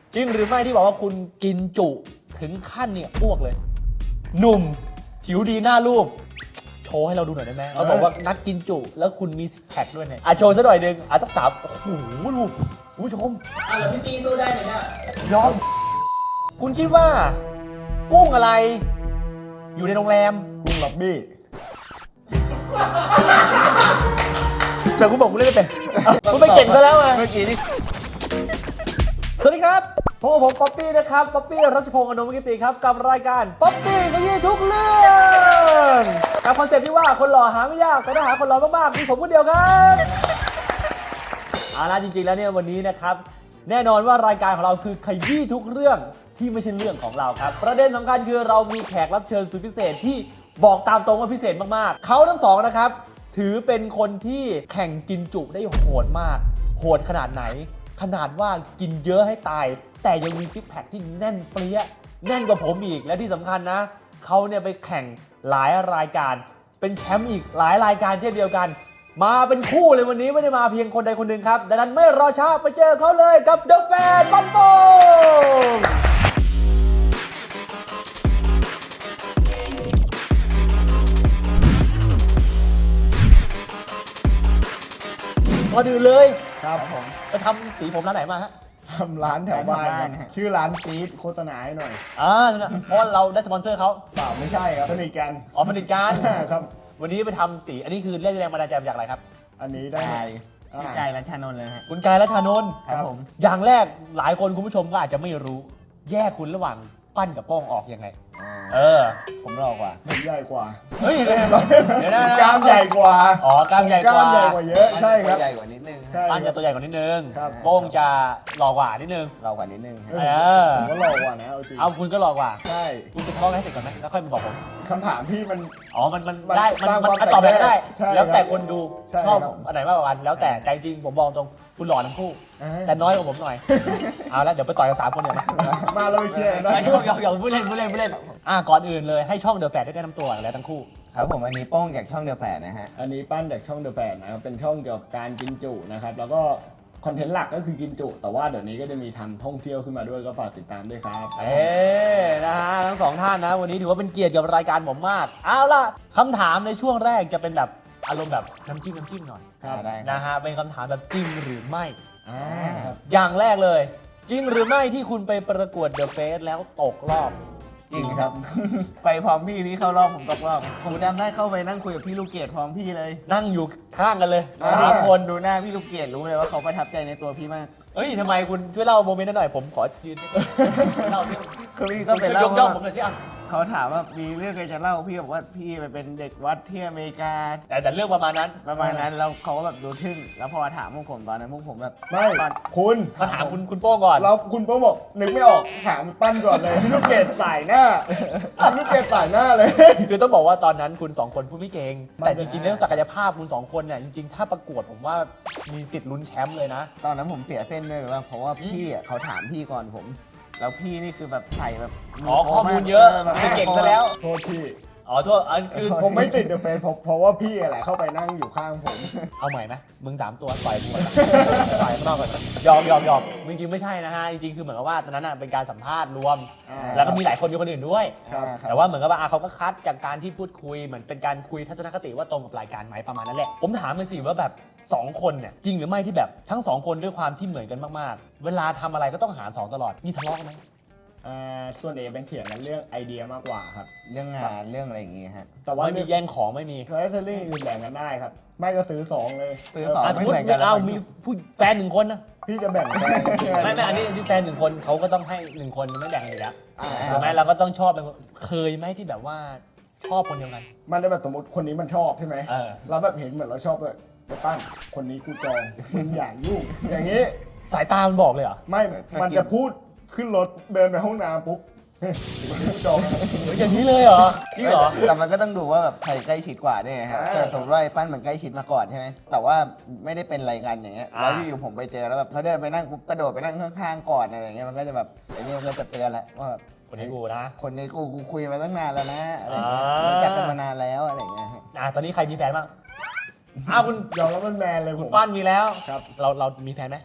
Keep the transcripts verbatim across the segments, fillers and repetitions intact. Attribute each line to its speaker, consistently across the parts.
Speaker 1: จริงหรือไม่ที่บอกว่าคุณกินจุถึงขั้นเนี่ยอ้วกเลย หนุ่มผิวดีหน้ารูปโชว์ให้เราดูหน่อยได้ไหมเราบอกว่านักกินจุแล้วคุณมีซิกแพคด้วยเนี่ยอ่ะโชว์สักหน่อยหนึ่งอ่ะสักสามโอ้โหดูคุณผู้ชมอ่ะแล้วพี่ตีสู้ได้ไหมเนี่ยยอมคุณคิดว่ากุ้งอะไร อยู่ในโรงแรม
Speaker 2: กุ้งล็อบบี้
Speaker 1: แต่คุณบอกคุณเล่นไม่เป็นคุณไม่เก่งซะแล้วไง
Speaker 2: เมื่อกี้นี่
Speaker 1: สวัสดีครับพบกับผมป๊อปปี้นะครับป๊อปปี้รัชพงศ์อนุมกิติครับกับรายการป๊อปปี้ขยี้ทุกเรื่องกับคอนเซ็ปต์ที่ว่าคนหล่อหาไม่ยากแต่ถ้าหาคนหล่อมากๆมีผมคนเดียวครับเอาล่ะจริงๆแล้วเนี่ยวันนี้นะครับแน่นอนว่ารายการของเราคือขยี้ทุกเรื่องที่ไม่ใช่เรื่องของเราครับประเด็นสำคัญคือเรามีแขกรับเชิญสุดพิเศษที่บอกตามตรงว่าพิเศษมากๆเขาทั้งสองนะครับถือเป็นคนที่แข่งกินจุได้โหดมากโหดขนาดไหนขนาดว่ากินเยอะให้ตายแต่ยังมีซิกแพคที่แน่นเปรี้ยแน่นกว่าผมอีกและที่สำคัญนะเขาเนี่ยไปแข่งหลายรายการเป็นแชมป์อีกหลายรายการเช่นเดียวกันมาเป็นคู่เลยวันนี้ไม่ได้มาเพียงคนใดคนหนึ่งครับดังนั้นไม่รอช้าไปเจอเขาเลยกับ The Fan บ้านโป่งก่อนอื่นเลย
Speaker 2: ครับผม
Speaker 1: ไปทำสีผมร้านไหนมาฮะ
Speaker 2: ทำร้านแถวบ้าน
Speaker 3: ร้านแถวบ้าน
Speaker 2: ครับชื่อร้านซีดโฆษณาให้หน่อย
Speaker 1: อ่าเพราะเราได้สปอนเซอร์เขา
Speaker 2: เปล่าไม่ใช่ครับสนิทกัน
Speaker 1: อ๋อผลิตการ
Speaker 2: ครับ
Speaker 1: วันนี้ไปทำสีอันนี้คือเรียกแรงบันดาลใจมาจากอะไรครับ
Speaker 2: อันนี้ได้
Speaker 3: ไก่
Speaker 2: อ่า
Speaker 3: พี่ไก่รัชานนท์เลยฮะ
Speaker 1: คุณกายและชานนท์
Speaker 2: ครับผม
Speaker 1: อย่างแรกหลายคนคุณผู้ชมก็อาจจะไม่รู้ แยกคุณระหว่างปั้นกับโป้งออกยังไง เออ
Speaker 3: ผมหลอกกว่า
Speaker 2: ผมใหญ่กว่า
Speaker 1: เฮ้ยเดี๋ยวนะ
Speaker 2: กล้ามใหญ่กว่า
Speaker 1: อ๋อกล้ามใหญ่ก
Speaker 2: กล้าม
Speaker 1: ว่า
Speaker 2: ใหญ่กว่าเยอะใช่ครับ
Speaker 3: ใหญ่กว่านิดนึง
Speaker 2: ใช่
Speaker 1: ปั้นจะตัวใหญ่กว่านิดนึง
Speaker 2: ครับ
Speaker 1: โป้งจะหล่อกว่านิดนึง
Speaker 3: หลอกกว่านิดนึง
Speaker 2: เอ
Speaker 3: ฮะ
Speaker 2: อ
Speaker 1: อ
Speaker 2: ผมก็หล่อกว่านะเอาจริง
Speaker 1: เอาคุณก็หล่อกว่า
Speaker 2: ใช่
Speaker 1: คุณจะท้องให้เสร็จก่อนไหมแล้วค่อยมาบอกผม
Speaker 2: คำถามพี่มัน
Speaker 1: อ๋อ มัน มัน
Speaker 2: มัน
Speaker 1: ได้ มัน
Speaker 2: สร้าง
Speaker 1: มัน
Speaker 2: ความ
Speaker 1: ตอบแบบได้
Speaker 2: ใช่
Speaker 1: แล้วแต่
Speaker 2: ครับ
Speaker 1: คนดู
Speaker 2: ใช่
Speaker 1: ชอบ
Speaker 2: ครับ
Speaker 1: อันไหนมากกว่ากัน แล้วแต่ใจจริงผมบอกตรง คุณหล่อทั้งคู่
Speaker 2: อ่า
Speaker 1: แต่น้อยกว่าผมหน่อย เอาละเดี๋ยวไปต่อยกันสามคนเดี๋ยวมา
Speaker 2: มาเราไปเคลียร์กันนะ
Speaker 1: ไม่ยอมยอมยอมพูดเล่นพูดเล่นพูดเล่น อ่ะก่อนอื่นเลยให้ช่องเดอะแฟดได้แนะนำตัวแล้วทั้งคู่
Speaker 3: ครับผมอันนี้โป้งจากช่องเดอะแฝดนะฮะ
Speaker 2: อันนี้ปั้นจากช่องเดอะแฟนนะครับเป็นช่องเกี่ยวกับการกินจุนะครับแล้วก็คอนเทนต์หลักก็คือกินจุ แต่ว่าเดี๋ยวนี้ก็จะมีทำท่องเที่ยวขึ้นมาด้วยก็ฝากติดตามด้วยครับ
Speaker 1: เอ๊นะฮะทั้งสองท่านนะ วันนี้ถือว่าเป็นเกียรติกับรายการผมมาก เอาล่ะคำถามในช่วงแรกจะเป็นแบบอารมณ์แบบน้ำจิ้มน้ำจิ้มหน่อย
Speaker 2: ครับ
Speaker 3: ได้
Speaker 1: นะฮะ เป็นคำถามแบบจริงหรือไม่
Speaker 2: อ่าครับ
Speaker 1: อย่างแรกเลย จริงหรือไม่ที่คุณไปประกวดเดอะเฟสแล้วตกรอบ
Speaker 3: จริงครับ ไปพร้อมพี่พี่เข้ารอบผมตกรอบผมจำได้เข้าไปนั่งคุยกับพี่ลูกเกดพร้อมพี่เลย
Speaker 1: นั่งอยู่ข้างกันเลย
Speaker 2: อ่า
Speaker 1: สามคน
Speaker 3: ดูหน้าพี่ลูกเกดรู้เลยว่าเขาประทับใจในตัวพี่มาก
Speaker 1: เฮ้ยทำไมคุณช่วยเล่าโมเมนต์นั้นหน่อยผมขอยืนเล่าสิ
Speaker 3: คือพี่
Speaker 1: ก็
Speaker 3: ก็
Speaker 1: ไป
Speaker 3: ไป
Speaker 1: เล่า
Speaker 3: เล่า
Speaker 1: ย่อม
Speaker 3: ว่า
Speaker 1: ผมเลยสิอ่ะ
Speaker 3: เขาถามว่ามีเรื่องอะไรจะเล่าพี่บอกว่าพี่ไปเป็นเด็กวัดที่อเมริกา
Speaker 1: แต่แต่เรื่องประมาณนั้น
Speaker 3: ประมาณนั้นแล้วเขาก็แบบดูทึ่งแล้วพอถามพวกผมตอนนั้นพวกผมแบบ
Speaker 2: ไม่
Speaker 3: ตอน
Speaker 2: คุณ
Speaker 1: มาถามคุณคุณโป้งก่อน
Speaker 2: เราคุณโป๊บอกนึกไม่ออกถามปั้นก่อนเลยพี่ลูกเกดสายหน้าพี่ลูกเกดสายหน้าเลย
Speaker 1: คือต้องบอกว่าตอนนั้นคุณสองคนพูดไม่เก่ง
Speaker 2: ไม่
Speaker 1: แต่จริงๆเรื่องศักยภาพคุณสองคนเนี่ยจริงๆ ถ้าประกวดผมว่ามีสิทธิ์ลุ้นแชมป์เลยนะ
Speaker 3: ตอนนั้นผมเสียเส้นด้วยหรือว่าเพราะว่าพี่อ่ะเขาถามพี่ก่อนผม แล้วพี่นี่คือแบบใส่แบบ
Speaker 1: อ๋อข้อมูลเยอะ
Speaker 3: แบบ
Speaker 1: ไม่เก่งซะแล้ว
Speaker 2: โทษพี่
Speaker 1: อ๋อโทษอันคือ
Speaker 2: ผมไม่ติดเดอะเฟนเพราะเพราะว่าพี่แหละเข้าไปนั่งอยู่ข้างผม
Speaker 1: เอาใหม่ไหมมึงสามตัวต่อยกูก่อนต่อยข้างนอกก่อนยอมยอมยอมจริงๆไม่ใช่นะฮะจริงๆคือเหมือนกับว่าตอนนั้นน่ะเป็นการสัมภาษณ์รวม
Speaker 2: อ่า
Speaker 1: แล้วก็มีหลายคนมีคนอื่นด้วย
Speaker 2: ครับ
Speaker 1: แต่ว่าเหมือนกับว่าอ่ะเขาก็คัดจากการที่พูดคุยเหมือนเป็นการคุยทัศนคติว่าตรงกับรายการไหมประมาณนั้นแหละ ผมถามเลยสิว่าแบบสองคนเนี่ยจริงหรือไม่ที่แบบทั้งสองคนด้วยความที่เหมือนกันมากๆ เวลาทำอะไรก็ต้องหารสองตลอดมีทะเลาะกันไหม
Speaker 2: อ่าส่วนเอเป็นเถียงกันเรื่องไอเดียมากกว่าครับ
Speaker 3: เรื่องงานเรื่องอะไรอย่างงี้ฮะ
Speaker 2: แต่ว่า
Speaker 1: ไม่มีแย่งของไม่มี
Speaker 2: เทอร์เทอรี่อื่นแบ่งกันได้ครับ ไม่ก็ซื้อสองเลย
Speaker 3: ซื้อสอง
Speaker 1: อ่ะ
Speaker 3: ไม่
Speaker 1: พูด
Speaker 3: เหมือนกัน
Speaker 1: เอามีผู้แฟนหนึ่งคนนะ
Speaker 2: พี่จะแบ่งกัน
Speaker 1: ไม่ไม่อันนี้อันนี้แฟนหนึ่งคนเขาก็ต้องให้หนึ่งคนไม่แบ่งกันอยู่แล้ว
Speaker 2: อ่า
Speaker 1: ถูกไหมเราก็ต้องชอบเป็นคนเคยไหมที่แบบว่าชอบคนเดียวกัน
Speaker 2: มันจะแบบสมมติคนนี้มันชอบใช่ไหม
Speaker 1: เออ
Speaker 2: เราแบบเห็นเหมือนเราชอบเลยไปปั้นคนนี้กูจองมึงอย่างยุ่งอย่างนี้
Speaker 1: สายตามันบอกเลยเหรอ
Speaker 2: ไม่มันจะพูดขึ้นรถเดินไปห้องน้ำปุ๊บเฮ้ยกูจอง
Speaker 1: อย่างนี้เลยเหรอจริงเหรอ
Speaker 3: แต่มันก็ต้องดูว่าแบบใครใกล้ชิดกว่าด้วยไงฮะ
Speaker 2: อ่า
Speaker 3: สมมติว่าไอ้ปั้นมันใกล้ชิดมาก่อนใช่ไหมแต่ว่าไม่ได้เป็นอะไรกันอย่างเงี้ย
Speaker 1: อ่า
Speaker 3: แล้วอยู่ๆผมไปเจอแล้วแบบเขาเดินไปนั่งปุ๊บกระโดดไปนั่งข้างๆก่อนอะไรอย่างเงี้ยมันก็จะแบบไอ้นี่มันก็จะเตือนแหละว่าแบบ
Speaker 1: คนนี้กูนะ
Speaker 3: คนนี้กูกูคุยมาตั้งนานแล้วนะอะไรอย่างเงี้ย
Speaker 1: อ่ารู้
Speaker 3: รู้จักกันมานานแล้วอะไรอย่างเงี้ยฮะ
Speaker 1: อ่ะตอนนี้ใครมีแฟนบ้างอ้าวคุณ
Speaker 2: ยอมแล้วมันแมนเลย
Speaker 1: คุ
Speaker 2: ผ
Speaker 1: ณ
Speaker 2: ม
Speaker 1: ปั้นมีแล้ว
Speaker 2: ครับ
Speaker 1: เราเรามีแฟนไหม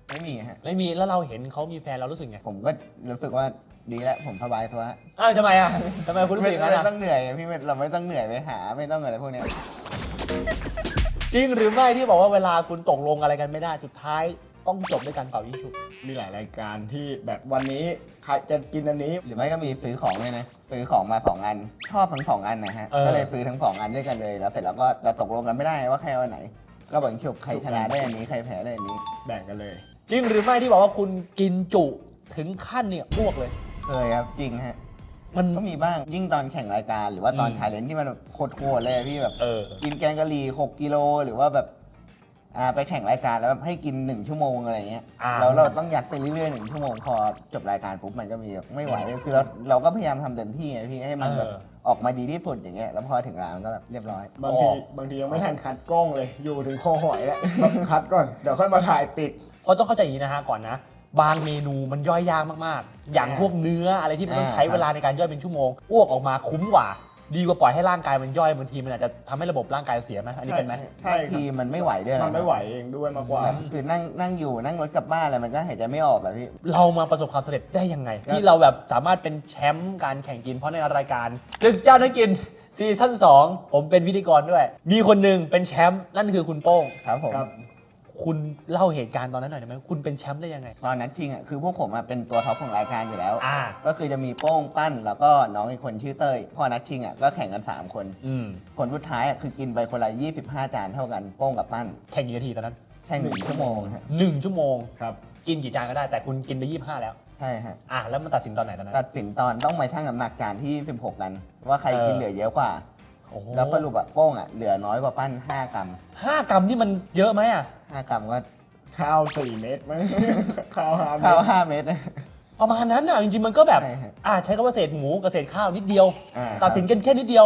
Speaker 3: ไม่มีฮะ
Speaker 1: ไม่มีแล้วเราเห็นเขามีแฟนเรารู้สึกไง
Speaker 3: ผมก็รู้สึกว่าดีแล้วผมสบายตัว
Speaker 1: อ้าวทำไมอ่ะทำไมคุณรู้สึกอย่างนั้น
Speaker 3: ไม่
Speaker 1: อ่ะ
Speaker 3: ต้องเหนื่อยพี่ไม่เราไม่ต้องเหนื่อยไปหาไม่ต้องอะไรพวกเนี้ย
Speaker 1: จริงหรือไม่ที่บอกว่าเวลาคุณตกลงอะไรกันไม่ได้สุดท้ายต้องจบด้วยการเป่ายิงฉุบ
Speaker 2: มีหลายรายการที่แบบวันนี้ใครจะกินอันนี้
Speaker 3: หรือไม่ก็มีซื้อของเลยนะซื้อของมาสองอันชอบทั้งสองอันนะฮะก็เลยซื้อทั้งสองอันด้วยกันเลยแล้วเสร็จแล้วก็จะตกลงกันไม่ได้ว่าใครเอาอันไหน ก็แบ่งฉุบใครชนะได้อันนี้ใครแพ้ได้อันนี้
Speaker 2: แบ่งกันเลย
Speaker 1: จริงหรือไม่ที่บอกว่าคุณกินจุถึงขั้นเนี่ยอ้วกเลย
Speaker 3: เคยครับจริงฮะ
Speaker 1: มัน
Speaker 3: ก็มีบ้างยิ่งตอนแข่งรายการหรือว่าตอน
Speaker 1: อืม
Speaker 3: ชาเลนจ์ที่มันโคตรๆเลยอะพี่แบบ
Speaker 1: เออ
Speaker 3: กินแกงกะหรี่หกกิโลหรือว่าแบบอ่าไปแข่งรายการแล้วแบบให้กินหนึ่งชั่วโมงอะไรเงี้ย
Speaker 1: อ่า
Speaker 3: แล้วเราต้องยัดไปเรื่อยๆหนึ่งชั่วโมงพอจบรายการปุ๊บมันก็มีแบบไม่ไหวคือเราเราก็พยายามทำเต็มที่ไงพี่ให้มันแบบ
Speaker 1: เออ
Speaker 3: ออกมาดีที่สุดอย่างเงี้ยแล้วพอถึงร้านมันก็แบบเรียบร้อย
Speaker 2: บางทีบางทียังไม่ทันคัดกล้องเลย อยู่ถึงคอหอยแล้วแบบคัดก่อน เดี๋ยวค่อยมาถ่ายปิด
Speaker 1: เพราะต้องเข้าใจอย่างนี้นะฮะก่อนนะ บางเมนูมันย่อยยากมากๆ อย่าง
Speaker 3: อ่า
Speaker 1: พวกเนื้ออะไรที่มันต้อง
Speaker 3: อ่า
Speaker 1: ใช้เวลาในการย่อยเป็นชั่วโมงอ้วกออกมาคุ้มกว่า ดีกว่าปล่อยให้ร่างกายมันย่อยบางทีมันอาจจะทำให้ระบบร่างกายเสียไหมอันนี้เป็นไหม
Speaker 2: ใช่ครับ
Speaker 3: บางทีมันไม่ไหวด้วย
Speaker 2: มันไม่ไหวเองด้วยมากกว่า
Speaker 3: แบบคือนั่งนั่งอยู่นั่งรถกลับบ้านอะไรมันก็หายใจไม่ออกแบบพี่
Speaker 1: เรามาประสบความสำเร็จได้ยังไง ที่เราแบบสามารถเป็นแชมป์การแข่งกินเพราะในรายการศึกเจ้านักกินซีซั่นสองผมเป็นพิธีกรด้วย มีคนหนึ่งเป็นแชมป์นั่นคือคุณโป้ง
Speaker 3: ครับผม
Speaker 2: ครับ
Speaker 1: คุณเล่าเหตุการณ์ตอนนั้นหน่อยได้ไหมคุณเป็นแชมป์ได้ยังไง
Speaker 3: ตอนนั้นจริงอ่ะคือพวกผมอะเป็นตัวท็อปของรายการอยู่แล้ว
Speaker 1: อ่า
Speaker 3: ก็คือจะมีโป้งปั้นแล้วก็น้องอีกคนชื่อเต้ยพอนัดชิงอ่ะก็แข่งกันสามคน
Speaker 1: อืม
Speaker 3: ผลสุดท้ายอ่ะคือกินไปคนละยี่สิบห้าจานเท่ากันโป้งกับปั้น
Speaker 1: แข่งกี่นาทีตอนนั้น
Speaker 3: แข่งหนึ่งชั่วโมงฮะ
Speaker 1: หนึ่งชั่วโมง
Speaker 2: ครับ
Speaker 1: กินกี่จานก็ได้แต่คุณกินไปยี่สิบห้าแล้ว
Speaker 3: ใช่ฮะ
Speaker 1: อ่ะแล้วมันตัดสินตอนไหนตอนนั้น
Speaker 3: ตัดสินตอนต้องมาชั่งน้ำหนักจานที่สิบหกกัน ว่าใครกิน
Speaker 1: เออ
Speaker 3: เหลือเยอะกว่า
Speaker 1: โอ้โห
Speaker 3: แล้วสรุปอ่ะโป้งอ่ะเหลือน้อยกว่าปั้นห้ากรัม
Speaker 1: ห้ากรัมนี่มันเยอะไหมอ่ะ
Speaker 3: ห้ากรัมก็
Speaker 2: ข้าวสี่เม็ดมั้ง ข้าวห้าเม็
Speaker 3: ข้าว
Speaker 2: ด
Speaker 3: ห้าเม็ด
Speaker 1: ประมาณนั้นอ่ะจริงๆมันก็แบบ
Speaker 3: ใช่ฮะ
Speaker 1: อ่ะใช้คำว่าเศษหมูกับเศษข้าวนิดเดียว
Speaker 3: อ่า
Speaker 1: ตัดสินกันแค่นิดเดียว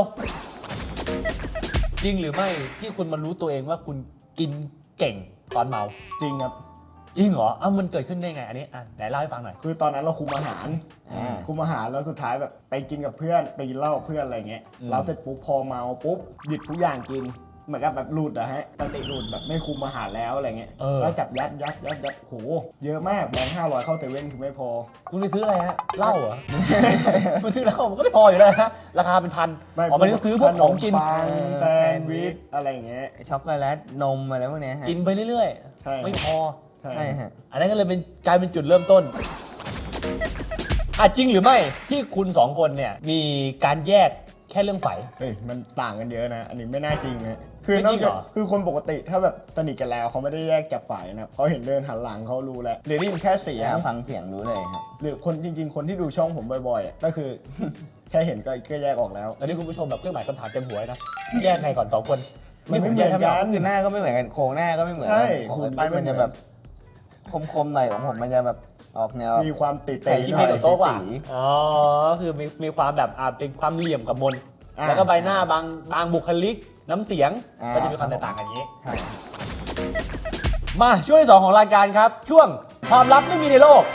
Speaker 1: จริงหรือไม่ที่คุณมารู้ตัวเองว่าคุณกินเก่งตอนเมา
Speaker 2: จริงครับ
Speaker 1: จริงเหรออ้าวมันเกิดขึ้นได้ไงอันนี้อ่ะไหนเล่าให้ฟังหน่อย
Speaker 2: คือตอนนั้นเราคุมอาหาร
Speaker 3: อ่า
Speaker 2: คุมอาหารแล้วสุดท้ายแบบไปกินกับเพื่อนไปกินเหล้ากับเพื่อนอะไรเงี้ย
Speaker 1: อืม
Speaker 2: เราเสร็จปุ๊บพอเมาปุ๊บหยิบทุกอย่างกิน เหมือนกับแบบหลุดอะฮะสติหลุดแบบไม่คุมอาหารแล้วอะไรเงี้ย
Speaker 1: เออ
Speaker 2: แล้วจับยัดยัดยัดยัดโหเยอะมากแบงค์ห้าร้อยเข้าเซเว่นคือไม่พอ
Speaker 1: คุณไปซื้ออะไรฮะเหล้าเหรอ คุณซื้อเหล้ามันก็ไม่พออยู่แล้วนะราคาเป็นพัน
Speaker 2: ไม่
Speaker 1: อ๋อมันก็ซื้อพวกของกิน
Speaker 2: ขมปังแซนด์วิชอะไรเงี้ย
Speaker 3: ช็อกโกแลตนมอะไรพวกเนี้ยฮะ
Speaker 1: กินไปเรื่อย
Speaker 2: ใช่
Speaker 1: ๆ ไม่พอ
Speaker 2: ใช่
Speaker 3: ใช่ฮะ
Speaker 1: อันนั้นก็เลยเป็นกลายเป็นจุดเริ่มต้นอ่ะจริงหรือไม่ที่คุณสองคนเนี่ยมีการแยกแค่เรื่องไฝ
Speaker 2: เฮ้ยมันต่างกันเยอะนะ อันนี้ไม่น่าจริงนะคือ
Speaker 1: ไม่
Speaker 2: นอ
Speaker 1: จริ
Speaker 2: ก
Speaker 1: งเหร
Speaker 2: จาก
Speaker 1: อ
Speaker 2: คือคนปกติถ้าแบบสนิทกันแล้วเขาไม่ได้แยกจากฝ่ายนะเขาเห็นเดินหันหลังเขารู้แล้วหรือได้ยินแค่เสียง
Speaker 3: อ่าฟังเสียงรู้เลยฮะ
Speaker 2: หรือคนจริง ๆ คนที่ดูช่องผมบ่อยๆอ่ะก็คือ แค่เห็นก็ก็แยกออกแล้ว
Speaker 1: อันนี้คุณผู้ชมแบบเครื่องหมายคำถามเต็มหัวเลยนะ แยกไงก่อนสองคน
Speaker 2: มันไม่
Speaker 1: ผแยก
Speaker 2: เหมือน
Speaker 1: แทบ
Speaker 2: กั
Speaker 1: ไออก
Speaker 3: คือหน้าก็ไม่เหมือนกันโครงหน้าก็ไม่เหมือน
Speaker 2: ใช่
Speaker 3: ของ
Speaker 2: หุ่น
Speaker 3: ปั้น
Speaker 2: ก็ไม่
Speaker 3: มันจะ
Speaker 2: เหมือน
Speaker 3: แบบคมๆหน่อยของผมมันจะแบบออกแนว
Speaker 2: มีความติด
Speaker 3: แต่
Speaker 2: ๆ
Speaker 1: ที่
Speaker 2: ห
Speaker 1: มี
Speaker 2: น่อย
Speaker 1: กับโต๊ะกว่า
Speaker 3: สี
Speaker 1: อ๋อคือมีมีความแบบอ่าเป็นความเหลี่ยมกับมน
Speaker 2: อ่า
Speaker 1: แล้วก็ใบหน้าบางบางบุคลิก น้ำเสียง
Speaker 3: อ่า
Speaker 1: ก็จะมีความแตกต่างกันอย่างนี้
Speaker 3: ใช่
Speaker 1: มาช่วงที่สองของรายการครับ ช่วงความลับไม่มีในโลก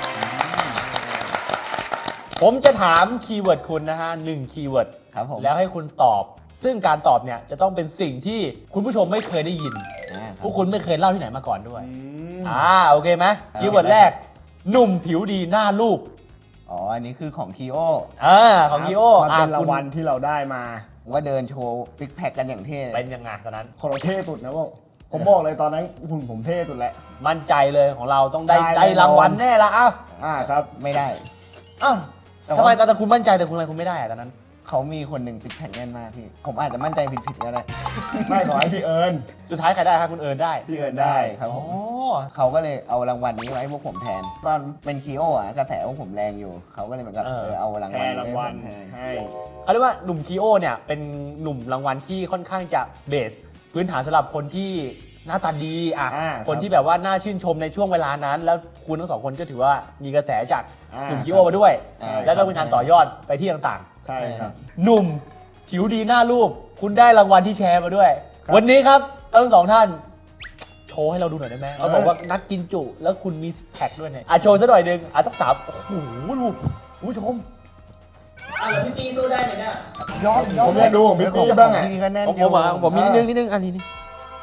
Speaker 1: ผมจะถามคีย์เวิร์ดคุณนะฮะหนึ่งคีย์เวิร์ด
Speaker 3: ครับผม
Speaker 1: แล้วให้คุณตอบ ซึ่งการตอบเนี่ยจะต้องเป็นสิ่งที่คุณผู้ชมไม่เคยได้ยิน
Speaker 3: อ่ารับ
Speaker 1: พวกคุณไม่เคยเล่าที่ไหนมาก่อนด้วย
Speaker 2: อืม
Speaker 1: อ่าโอเคไหมคีย์เวิร์ดแรก หนุ่มผิวดีหน้ารูป
Speaker 3: อ๋ออันนี้คือของคีโอ
Speaker 1: อ่าของคีโอ
Speaker 2: มัน
Speaker 1: อ่า
Speaker 2: เป็นราง
Speaker 1: คุณ
Speaker 2: วัลที่เราได้มา
Speaker 3: ว่าเดินโชว์ฟิกแพคกันอย่างเท่เลย
Speaker 1: เป็นยังไงตอนนั้น
Speaker 2: คนเราเท่สุดนะพวกผมบอกเลยตอนนั้นหุ่นผมเท่สุดแหละ
Speaker 1: มั่นใจเลยของเราต้องได้
Speaker 2: ได้
Speaker 1: ได้
Speaker 2: แน่นอน
Speaker 1: รางวัลแน่ละอ้าว
Speaker 2: อ่าครับ
Speaker 3: ไม่ได้
Speaker 1: อ้าว
Speaker 3: แต่ว่า
Speaker 1: ทำไมตอนนั้นคุณมั่นใจแต่คุณทำไมคุณไม่ได้อะตอนนั้น
Speaker 3: เขามีคนหนึ่งฟิกแพคแน่นมากพี่ ผมอาจจะมั่นใจผิดๆก็ได้
Speaker 2: ไม่ขอให้พี่เอิญ
Speaker 1: สุดท้ายใครได้ครับคุณเอิญได้
Speaker 2: พี่เอิญได้
Speaker 3: ครับ
Speaker 1: อ๋
Speaker 3: ผ
Speaker 1: อ
Speaker 3: มเขาก็เลยเอารางวัลนี้ไว้ให้พวกผมแทน ตอนเป็นคีโออ่ะกระแสพวกผมแรงอยู่ เขาก็เลยเหมือนกับ
Speaker 1: เออ
Speaker 3: เออเอาราง
Speaker 2: แท
Speaker 3: วัล
Speaker 2: น
Speaker 3: นี้
Speaker 2: รางวัล
Speaker 3: ให้ผมแทน
Speaker 2: ให้
Speaker 1: เขาเรียกว่าหนุ่มคีโอเนี่ยเป็นหนุ่มรางวัลที่ค่อนข้างจะเบส พื้นฐานสำหรับคนที่หน้าตาดีอ่ะ
Speaker 2: อ่า
Speaker 1: คนที่แบบว่าน่าชื่นชมในช่วงเวลานั้น แล้วคุณทั้งสองคนก็ถือว่ามีกระแสจาก
Speaker 2: อ่า
Speaker 1: หนุ่มคีโอมาด้วย
Speaker 3: ใช่
Speaker 1: แล้วก็เป็นการต่อยอดไปที่ต่างๆ
Speaker 2: ใช่ครับ
Speaker 1: หนุ่มผิวดีหน้ารูป คุณได้รางวัลที่แชร์มาด้วย
Speaker 2: ครับ
Speaker 1: วันนี้ครับทั้งสองท่าน โชว์ให้เราดูหน่อยได้ไหม
Speaker 2: เออ
Speaker 1: เขาบอกว่านักกินจุ แล้วคุณมีซิกแพคด้วยเนี่ยอ่ะโชว์สักหน่อยหนึ่งอ่ะสักสามโอ้โหดูคุณผู้ชมอ่ะแล้วพี่ปีสู้ได้ไหมเนี่ย
Speaker 3: ยอดยอด
Speaker 2: ผมอยากดูของพี่ปี้บ้างอ่ะ
Speaker 3: พี่ก็แน่น
Speaker 1: ผม
Speaker 3: อยู่
Speaker 1: ผมอ่ะผมมีนิดนึงนิดนึงอันนี้นี่
Speaker 2: อ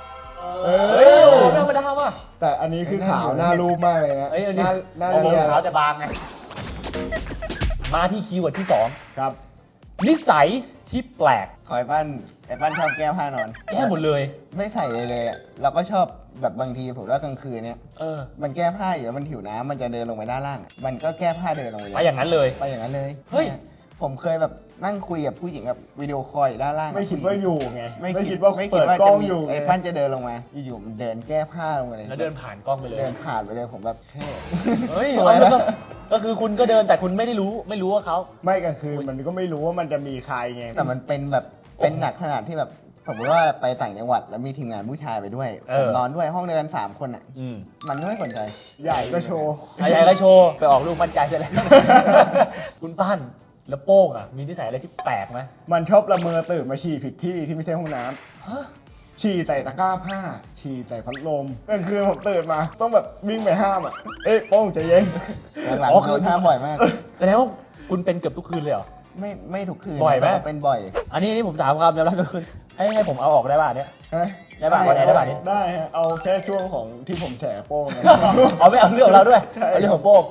Speaker 2: เอ
Speaker 1: เฮ้ย
Speaker 2: อ
Speaker 1: ไม่ธรรมดาว่ะ
Speaker 2: แต่อันนี้คือขาวหน้ารูปมากเลยนะ
Speaker 1: เอ้ยอัน
Speaker 2: ห
Speaker 1: นี้
Speaker 2: น้าหน้า
Speaker 1: โอ้โห
Speaker 2: เรียน
Speaker 1: ขาวแต่บางไงมาที่คีย์เวิร์ดที่สอง
Speaker 2: ครับ
Speaker 1: นิสัยที่แปลก
Speaker 3: คอยปั้นไอ้ปั้นชอบแก้ผ้านอน
Speaker 1: แก้หมดเลย
Speaker 3: ไม่ใส่เลยเลยอะเราก็ชอบแบบบางทีผมว่ากลางคืนเนี่ย
Speaker 1: เออ
Speaker 3: มันแก้ผ้าอยู่แล้วมันหิวน้ำมันจะเดินลงไปด้านล่าง มันก็แก้ผ้าเดินลงไปเล
Speaker 1: ไป
Speaker 3: ย
Speaker 1: อย่างนั้นเลย
Speaker 3: ไปอย่างนั้นเลย
Speaker 1: เฮ้ย
Speaker 3: ผมเคยแบบนั่งคุยกับผู้หญิงแบบวิดีโอคอลอยู่ด้านล่าง
Speaker 2: ไม่คิดว่าอยู่ไง
Speaker 3: ไม่
Speaker 2: ไม่
Speaker 3: คิ
Speaker 2: คิ
Speaker 3: ด
Speaker 2: ดว่า
Speaker 3: ไม่คิ
Speaker 2: เปิ
Speaker 3: ด
Speaker 2: ด
Speaker 3: ว่าก
Speaker 2: ล้อง
Speaker 3: จะมี
Speaker 2: อยู่
Speaker 3: ไอ้ปั้นจะเดินลงมาอยู่ๆมันเดินแก้ผ้าลงมาเลย
Speaker 1: แล้วเดินผ่านกล้องไปเลย
Speaker 3: เดินผ่านไปเลยผมแบบเท่
Speaker 1: เฮ้ย
Speaker 3: สวยนะ
Speaker 1: เอาแล้วก็ก็คือคุณก็เดินแต่คุณไม่ได้รู้ไม่รู้ว่าเขา
Speaker 2: ไม่กลางคืนมันก็ไม่รู้ว่ามันจะมีใครไง
Speaker 3: แต่มันเป็นแบบเป็นหนักขนาดที่แบบสมมติว่าไปต่างจังหวัดแล้วมีทีมงานผู้ชายไปด้วย
Speaker 1: เอ
Speaker 3: ผม
Speaker 1: อน
Speaker 3: อนด้วยห้องเดียวกันสามคนอ่ะ
Speaker 1: อืม
Speaker 3: มันก็ไม่สนใจ
Speaker 2: ใหญ่ก็โชว์
Speaker 1: ไอ้ใหญ่ก็โชว์ไปออกลูกมั่นใจซะแล้ว คุณปั้นแล้วโป้งอ่ะ มีนิสัยอะไรที่แปลกไหม
Speaker 2: มันชอบละเมอตื่นมาฉี่ผิดที่ที่ไม่ใช่ห้องน้ำ
Speaker 1: ฮะ
Speaker 2: ฉี่ใส่ตะกร้าผ้า ฉี่ใส่พัดลมกลางคืนผมตื่นมา ต้องแบบวิ่งไปห้ามอ่ะ เอ๊ะโป้งใจเย็น
Speaker 3: หลัง
Speaker 1: อ๋อ
Speaker 3: ๆ
Speaker 1: คื
Speaker 3: คือ อท้าบ่อยมาก
Speaker 1: แสดงว่าคุณเป็นเกือบทุกคืนเลยเหรอ
Speaker 3: ไม่ไม่ทุกคืน
Speaker 1: บ่อยไหม
Speaker 3: แต่ว่าเป็นบ่อย
Speaker 1: อันนี้นี่ผมถามความยอมรับก็คือให้ให้ผมเอาออกได้ป่ะเนี่ย
Speaker 2: ฮะ
Speaker 1: ได้ป่ะวันไหนได้ป่ะเนี่ย
Speaker 2: ได้ฮะเอาแค่ช่วงของที่ผมแฉโป้งนะ
Speaker 1: เอาไม่เอาเรื่องของเราด้วย
Speaker 2: ใช่
Speaker 1: เอาเรื่องของโป้ง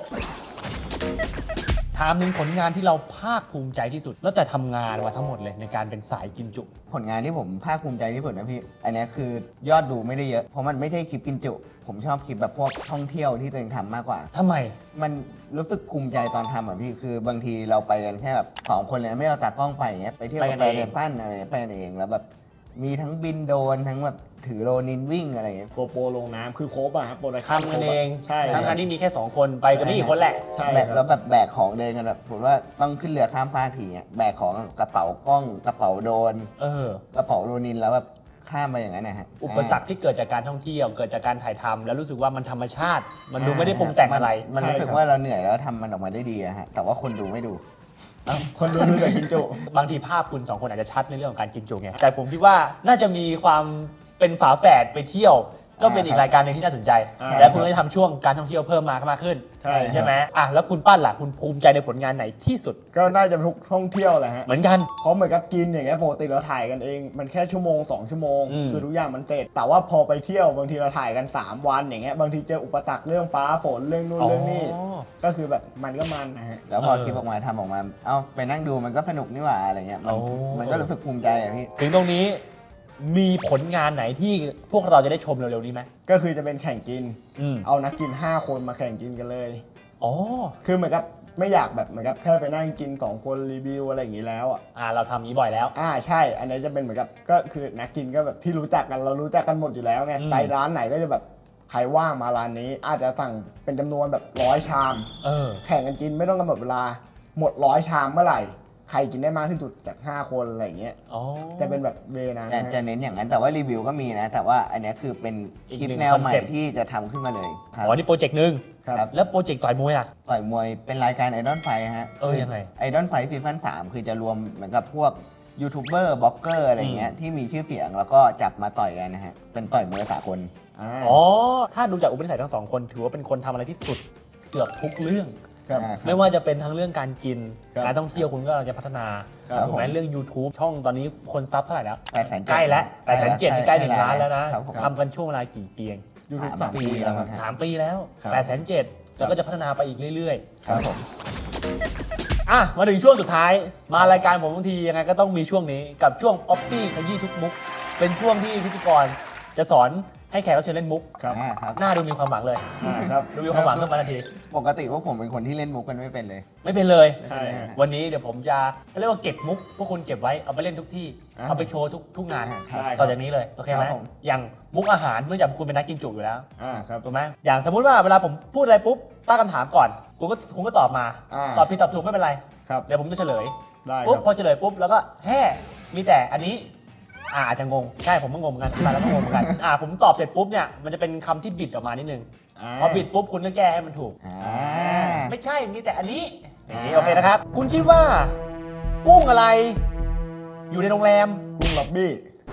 Speaker 1: ถามหนึ่งผลงานที่เราภาคภูมิใจที่สุด แล้วแต่ทำงานมาทั้งหมดเลยในการเป็นสายกินจุ
Speaker 3: ผลงานที่ผมภาคภูมิใจที่สุดนะพี่ อันเนี้ยคือยอดดูไม่ได้เยอะ เพราะมันไม่ใช่คลิปกินจุ ผมชอบคลิปแบบพวกท่องเที่ยวที่ตัวเองทำมากกว่า
Speaker 1: ทำไม
Speaker 3: มันรู้สึกภูมิใจตอนทำอ่ะพี่ คือบางทีเราไปกันแค่แบบสองคนเลยนะไม่เอาตากล้องไปอย่างเงี้ย ไปเที่ยว
Speaker 1: ไป
Speaker 3: กั
Speaker 1: กัน
Speaker 3: ไป
Speaker 1: เอง
Speaker 3: เรียนปั้นอะไรไปกันเองแล้วแบบมีทั้งบินโดรนทั้งแบบถือโรนินวิ่งอะไรอย่างเงี้ย
Speaker 2: โกโปรลงน้ำคือโคบอะครับโปรดักชั่น
Speaker 1: ทำกันเอง
Speaker 2: ใช่
Speaker 1: ทั้งๆที่มีแค่สองคนไปกันไม่กี่คนแหละ
Speaker 2: ใช่
Speaker 3: แบก
Speaker 2: ค
Speaker 3: แล้
Speaker 2: รั
Speaker 3: ว
Speaker 2: บ
Speaker 3: แบบแบกของเดินกันแบบผมว่าต้องขึ้นเรือข้ามฟากทีอ่ะแบกของกระเป๋ากล้องกระเป๋าโดรน
Speaker 1: เออ
Speaker 3: กระเป๋าโรนินแล้วแบบข้ามไปอย่างนั้นนะฮะ
Speaker 1: อุปสรรคที่เกิดจากการท่องเที่ยว เกิดจากการถ่ายทำแล้วรู้สึกว่ามันธรรมชาติ มันดูไม่ได้ปรุงแต่งอะไร
Speaker 3: มันรู้สึกว่าเราเหนื่อยแล้วทำมันออกมาได้ดีอะฮะแต่ว่าคนดูไม่ดู
Speaker 2: คนดูดูแต่กินจุ
Speaker 1: บางทีภาพคุณสองคนอาจจะชัดในเรื่องของการกินจุไง แต่ผมคิดว่าน่าจะมีความเป็นฝาแฝดไปเที่ยว ก็เป็นอีกรายการหนึ่งที่น่าสนใจ
Speaker 2: อ่า
Speaker 1: และคุณก็จะทำช่วงการท่องเที่ยวเพิ่มมากมากขึ้น
Speaker 2: ใช่
Speaker 1: ใช่ไหมอ่ะแล้วคุณปั้นล่ะคุณภูมิใจในผลงานไหนที่สุด
Speaker 2: ก็น่าจะทุกท่องเที่ยวแหละฮะ
Speaker 1: เหมือนกัน
Speaker 2: เพราะเหมือนกับกินอย่างเงี้ยปกติเราถ่ายกันเอง มันแค่ชั่วโมงสองชั่วโมง
Speaker 1: อืม
Speaker 2: คือทุกอย่างมันเสร็จแต่ว่าพอไปเที่ยวบางทีเราถ่ายกันสามวันอย่างเงี้ยบางทีเจออุปสรรคเรื่องฟ้าฝนเรื่องนู่นเรื่องนี้
Speaker 1: อ๋อ
Speaker 2: ก็คือแบบมันก็มันนะฮะ
Speaker 3: แล้วพอ
Speaker 1: เออ
Speaker 3: คลิปออกมาทำออกมา เอ้าไปนั่งดูมันก็สนุกนี่หว่าอะไรเงี้ยมัน
Speaker 1: โอ้
Speaker 3: มันก็รู้สึกภูมิใจอะพี่
Speaker 1: ถึงตรงนี้มีผลงานไหนที่พวกเราจะได้ชมเร็วๆนี้ไหม
Speaker 2: ก็คือจะเป็นแข่งกิน
Speaker 1: อืม
Speaker 2: เอานักกินห้าคนมาแข่งกินกันเลย
Speaker 1: อ๋อ
Speaker 2: คือเหมือนกับไม่อยากแบบเหมือนกับแค่ไปนั่งกินสองคนรีวิวอะไรอย่างนี้แล้วอ่ะ
Speaker 1: อ่าเราทำนี้บ่อยแล้ว
Speaker 2: อ่าใช่ อันนี้จะเป็นเหมือนกับก็คือนักกินก็แบบที่รู้จักกันเรารู้จักกันหมดอยู่แล้วไง
Speaker 1: อืม
Speaker 2: ไปร้านไหนก็จะแบบใครว่างมาร้านนี้ อาจจะสั่งเป็นจำนวนแบบร้อยชาม
Speaker 1: เออ
Speaker 2: แข่งกันกินไม่ต้องกำหนดเวลา หมดร้อยชามเมื่อไหร่ ใครกินได้มากที่สุดจากห้าคนอะไรอย่างเงี้ย
Speaker 1: อ๋อ
Speaker 2: จะเป็นแบบเวนะ
Speaker 3: แต่จะเน้นอย่างนั้น แต่ว่ารีวิวก็มีนะ แต่ว่าอันเนี้ยคือเป็น
Speaker 1: อีก
Speaker 3: คลิป
Speaker 1: หนึ่ง
Speaker 3: แนวใหม่
Speaker 1: concept
Speaker 3: ที่จะทำขึ้นมาเลยครับ
Speaker 1: อ๋อนี่โปรเจกต์หนึ่ง
Speaker 2: ครับ
Speaker 1: แล้วโปรเจกต์ต่อยมวยอ่ะ
Speaker 3: ต่อยมวยเป็นรายการไอดอลไฟฮะ
Speaker 1: เออยังไง
Speaker 3: ไอดอลไฟซีซั่นสามคือจะรวมเหมือนกับพวกยูทูบเบอร์บล็อกเกอร์อะไรเงี้ยที่มีชื่อเสียงแล้วก็จับมาต่อยกันนะฮะ เป็นต่อยมวยสากล
Speaker 2: อ่า
Speaker 1: อ๋อ ถ้าดูจากอุปนิสัยทั้งสองคน ถือว่าเป็นคนทำอะไรที่สุดเกือบทุกเรื่อง
Speaker 2: ครับ
Speaker 3: อ่า
Speaker 1: ไม่ว่าจะเป็นทั้งเรื่องการกิน
Speaker 2: ครับ
Speaker 1: การท่องเที่ยวคุณก็จะพัฒนา
Speaker 2: ครับ
Speaker 1: ถูกไหมเรื่อง YouTube ช่องตอนนี้คนซับเท่าไหร่แล้ว
Speaker 3: แปดแสน
Speaker 1: ใกล้แล้วแปดแสนเจ็ดใกล้หนึ่งล้านแล้วนะครับ
Speaker 3: ผม
Speaker 1: ทำกันช่วงเวลากี่ปีเอง
Speaker 2: ยูทูบ
Speaker 3: สา
Speaker 2: สาม ม
Speaker 3: ปี
Speaker 2: ปี
Speaker 3: แล้
Speaker 2: แล้ว ว
Speaker 3: ค
Speaker 2: ค
Speaker 3: รั
Speaker 2: รับ บ
Speaker 1: สามปีแล้ว
Speaker 2: ครับ
Speaker 1: แปดแสนเจ็ดแล้วก็จะพัฒนาไปอีกเรื่อย
Speaker 3: ครับผม
Speaker 1: ๆ อ่ะ มาถึงช่วงสุดท้าย มารายการผมบางทียังไงก็ต้องมีช่วงนี้กับช่วง Poppy ขยี้ทุกมุก เป็นช่วงที่พิธีกรจะสอนให้แขกรับเชิญเล่นมุก
Speaker 2: ครับ
Speaker 3: อ่าครับ
Speaker 1: หน้าดูมีความหวังเลย
Speaker 2: อ่าครับ
Speaker 1: ดูมีความหวังขึ้นมาทันที
Speaker 3: ปกติพวกผมเป็นคนที่เล่นมุกกันไม่เป็นเลย
Speaker 1: ไม่เป็นเลย
Speaker 2: ใช่ฮะ
Speaker 1: วันนี้เดี๋ยวผมจะเขาเรียกว่าเก็บมุกพวกคุณเก็บไว้เอาไปเล่นทุกที่
Speaker 2: อ่า
Speaker 1: เอาไปโชว์ทุกทุกงาน
Speaker 3: ครับ
Speaker 2: ได้ค
Speaker 1: ต่
Speaker 2: รั
Speaker 1: อบ จากนี้เลยโอเคไหม
Speaker 3: ครับผม
Speaker 1: อย่างมุกอาหารเนื่องจากคุณเป็นนักกินจุอยู่แล้ว
Speaker 2: อ่าครับ
Speaker 1: ถูกไหมอย่างสมมุติว่าเวลาผมพูดอะไรปุ๊บตั้งคำถามก่อนคุณก็คุณก็ตอบมา
Speaker 2: อ่า
Speaker 1: ตอบผิดตอบถูกไม่เป็นไร
Speaker 2: ครับ
Speaker 1: เดี๋ยวผมจะเฉลย
Speaker 2: ได้ค
Speaker 1: ปุ๊บ
Speaker 2: รับ
Speaker 1: พอเฉลยปุ๊บแล้วก็แฮ่มีแต่อันนี้อ่าอาจจะงงใช่ผมก็งงเหมือนกันแต่แล้วก็งงเหมือนกันอ่าผมตอบเสร็จปุ๊บเนี่ยมันจะเป็นคำที่บิดออกมานิดนึง
Speaker 2: อ่า
Speaker 1: พอบิดปุ๊บคุณก็แก้ให้มันถูก
Speaker 3: อ่า
Speaker 1: ไม่ใช่มีแต่อันนี้อย่างนี้
Speaker 2: อ่า
Speaker 1: โอเคนะครับ คุณคิดว่า กุ้งอะไร อยู่ในโรงแรม
Speaker 2: กุ้งล็อบบี้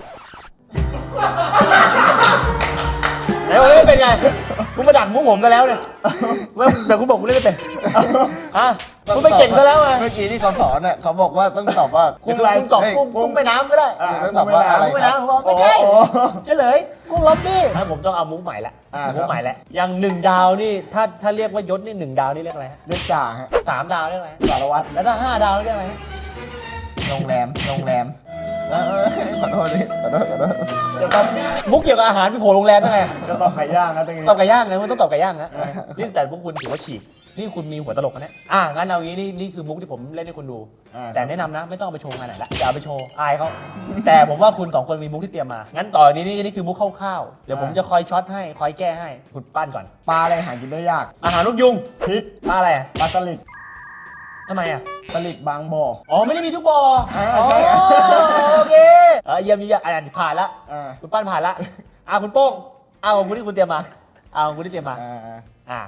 Speaker 1: ไหนว่าไม่เป็นไงคุณมาดักมุกผมกันแล้วเนี่ยว่าแต่คุณบอกคุณเล่นไม่เป็นฮะคุณไปเก่งซะแล้วไง
Speaker 3: เมื่อกี้ที่เขาสอนเนี่ยเขาบอกว่าต้องตอบว่า
Speaker 1: กุ้งกุ้งกรอบกุ้งกุ้งแม่น้ำก็ได้
Speaker 2: อ่า
Speaker 3: ต้องตอบว่าอะไร
Speaker 1: กุ้งแม่
Speaker 3: ครับ
Speaker 1: น้ำผมบอกไม่ใช่
Speaker 2: โอ้โห
Speaker 1: เฉลยกุ้งล็อบบี้ถ้าผมต้องเอามุกใหม่ละ
Speaker 2: อ่า
Speaker 1: มุกใหม่ละอย่างหนึ่งดาวนี่ถ้าถ้าเรียกว่ายศนี่หนึ่งดาวนี่เรียกอะไรฮะ
Speaker 2: เรียกจ่าฮะ
Speaker 1: สามดาวเรียกอะไรฮะ
Speaker 2: สารวัตร
Speaker 1: แล้วถ้าห้าดาวเรียกอะไรฮะ
Speaker 3: โรงแรมโรงแรมเออเออขอโทษดิขอโทษขอโทษ
Speaker 2: จะต้อง
Speaker 1: มุกเกี่ยวกับอาหารพี่โผล่โรงแรมได้ไง
Speaker 2: จะต้องไก่ย่างนะตรงนี้
Speaker 1: ตอบไก่ย่างนะมันต้องตอบไก่ย่างนะนี่แต่พวกคุณถือว่าฉีกนี่คุณมีหัวตลกนะเนี่ยอ่ะงั้นเอางี้นี่นี่คือมุกที่ผมเล่นให้คุณดู
Speaker 2: อ่า
Speaker 1: แต่แนะนำนะไม่ต้องเอาไปโชว์งานไหนละอย่าเอาไปโชว์อายเขาแต่ผมว่าคุณสองคนมีมุกที่เตรียมมางั้นต่อนี้นี่นี่คือมุกคร่าวๆเดี๋ยวผมจะคอยช็อตให้คอยแก้ให้คุณปั้นก่อน
Speaker 2: ปลาอะไรหากินได้ยาก
Speaker 1: อาหารลูกยุง
Speaker 2: พิษ
Speaker 1: ปลาอะไรอ่ะ
Speaker 2: ปลาสลิด
Speaker 1: ทำไมอ่ะ
Speaker 2: สลิดบางบ่อ
Speaker 1: อ๋อไม่ได้มีทุกบ่อ
Speaker 2: อ่า
Speaker 1: อ๋อ
Speaker 2: ใช่
Speaker 1: โอเคเออเยี่ยมเยี่ยมอ่านผ่านละ
Speaker 2: อ่า
Speaker 1: คุณปั้นผ่านละอ่ะคุณโป้งเอาของคุณที่คุณเตรียมมาเอาของคุณที่เตรียมมา
Speaker 2: อ่าอ่า
Speaker 1: อ่ะ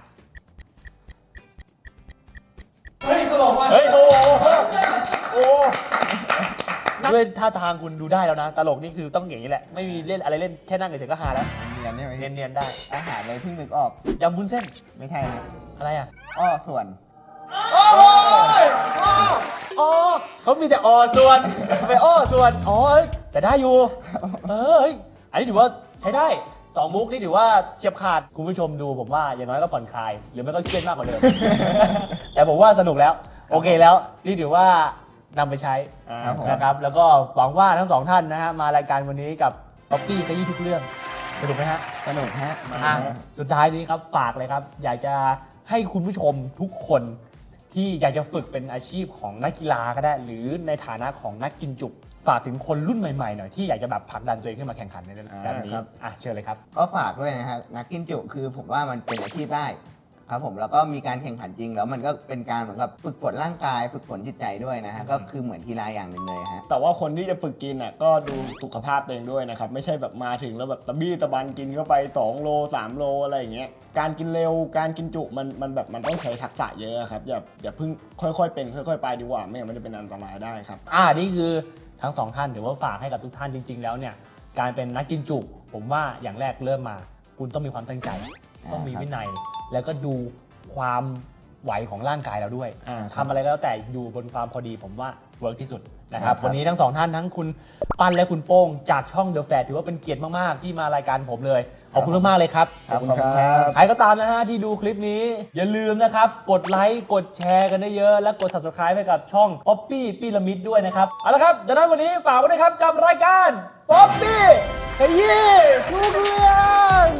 Speaker 2: เฮ้ยตลกว่ะ
Speaker 1: เฮ้ยโอ้โห
Speaker 2: โอ้
Speaker 1: ด้วยท่าทางคุณดูได้แล้วนะ ตลกนี่คือต้องอย่างนี้แหละ ไม่มีเล่นอะไรเล่นแค่นั่งเฉยๆก็ฮาแล้ว
Speaker 3: เนียนใช่ไหม
Speaker 1: เนียนๆได้
Speaker 3: อาหารเลยเพิ่งนึกออก
Speaker 1: ยำวุ้นเส้น
Speaker 3: ไม่ใช่นะ
Speaker 1: อะไรอ่ะ
Speaker 3: อ้อส่วน
Speaker 1: โอ้ยอ๋อเขามีแต่อส่วนไปอ้อส่วนอ๋อเอ้ยแต่ได้อยู่ เออเฮ้ยอันนี้ถือว่าใช้ได้สองมุกนี่ถือว่าเฉียบขาดคุณผู้ชมดูผมว่าอย่างน้อยก็ผ่อนคลาย หรือไม่ก็เครียดมากกว่าเดิม แต่ผมว่าสนุกแล้ว โอเคแล้ว นี่ถือว่านำไปใช้
Speaker 2: อ่า
Speaker 3: ครับผม
Speaker 1: นะครับ แล้วก็หวังว่าทั้งสองท่านนะฮะมารายการวันนี้กับป๊อปปี้ขยี้ทุกเรื่องสนุกไหมฮะ
Speaker 3: สนุกฮะ
Speaker 1: อ่ะสุดท้ายนี้ครับฝากเลยครับ อยากจะให้คุณผู้ชมทุกคนที่อยากจะฝึกเป็นอาชีพของนักกีฬาก็ได้ หรือในฐานะของนักกินจุฝากถึงคนรุ่นใหม่ๆหน่อยที่อยากจะแบบผลักดันตัวเองขึ้นมาแข่งขันในแบบนี้อ่ะเชิญเลยครับ
Speaker 3: ก็ฝากด้วยนะฮะนักกินจุคือผมว่ามันเป็นอาชีพได้ครับผมแล้วก็มีการแข่งขันจริงแล้วมันก็เป็นการเหมือนกับฝึกฝนร่างกาย ฝึกฝนจิตใจด้วยนะฮะก็คือเหมือนกีฬาอย่างหนึ่งเลยฮะ
Speaker 2: แต่ว่าคนที่จะฝึกกินอ่ะก็ดูสุขภาพตัวเองด้วยนะครับ ไม่ใช่แบบมาถึงแล้วแบบตะบี้ตะบันกินเข้าไปสองโลสามโลอะไรอย่างเงี้ยการกินเร็วการกินจุมันมันแบบมันต้องใช้ทักษะเยอะครับอย่าอย่าเพิ่งค่อยๆเป็นค่อยๆไปดีกว่าไม่งั้นมันจะเป็นอันตรายได้ครับ
Speaker 1: อ่านี่คือทั้งสองท่านถือว่าฝากให้กับทุกท่านจริง ๆ แล้วเนี่ยการเป็นนักกินจุผมว่าอย่างแรกเริ่มมา คุณต้องมีความตั้งใจ ต้องมีวินัย แล้วก็ดูความไหวของร่างกายเราด้วย
Speaker 2: อ่า
Speaker 1: ทำอะไรก็แล้วแต่อยู่บนความพอดีผมว่าเวิร์กที่สุดนะครับ
Speaker 2: ครับ
Speaker 1: วันนี้ทั้งสองท่านทั้งคุณปั้นและคุณโป้งจากช่อง The Fat ถือว่าเป็นเกียรติมากๆที่มารายการผมเลยขอบคุณมากๆเลยครับ
Speaker 2: ขอบคุณครับ
Speaker 1: ใครก็ตามนะฮะที่ดูคลิปนี้ อย่าลืมนะครับ กดไลค์กดแชร์กันได้เยอะและกด Subscribe ให้กับช่อง Poppy พีระมิดด้วยนะครับ เอาละครับดังนั้นวันนี้ฝากไว้ด้วยครับกับรายการ Poppy ขยี้ทุกเรื่อง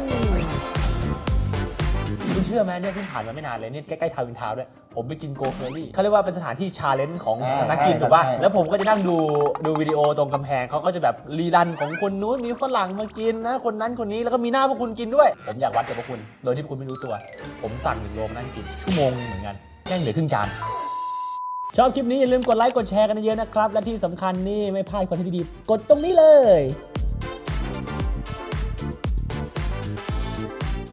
Speaker 1: คุณเชื่อไหมเนี่ยเพิ่งผ่านมาไม่นานเลยเนี่ยใกล้ๆทาวน์อินทาวน์ด้วย ผมไปกินโกเคอรี่เขาเรียกว่าเป็นสถานที่ชาเลนจ์ของ
Speaker 3: อ่า
Speaker 1: นักกิน
Speaker 3: ใช่
Speaker 1: ถูกป่ะ
Speaker 3: ใช่
Speaker 1: แล้วผมก็จะนั่งดูดูวิดีโอตรงกำแพงเขาก็จะแบบรีรันของคนนู้นมีฝรั่งมากินนะคนนั้นคนนี้แล้วก็มีหน้าพวกคุณกินด้วย ผมอยากวัดกับพวกคุณ โดยที่พวกคุณไม่รู้ตัว ผมสั่งหนึ่งโลมานั่งกินชั่วโมงนึงเหมือนกันแค่เหลือครึ่งจานชอบคลิปนี้อย่าลืมกดไลค์กดแชร์กันเยอะๆนะครับและที่สำคัญนี่ไม่พลาดคอนเทนต์ดีๆกดตรงนี้เลย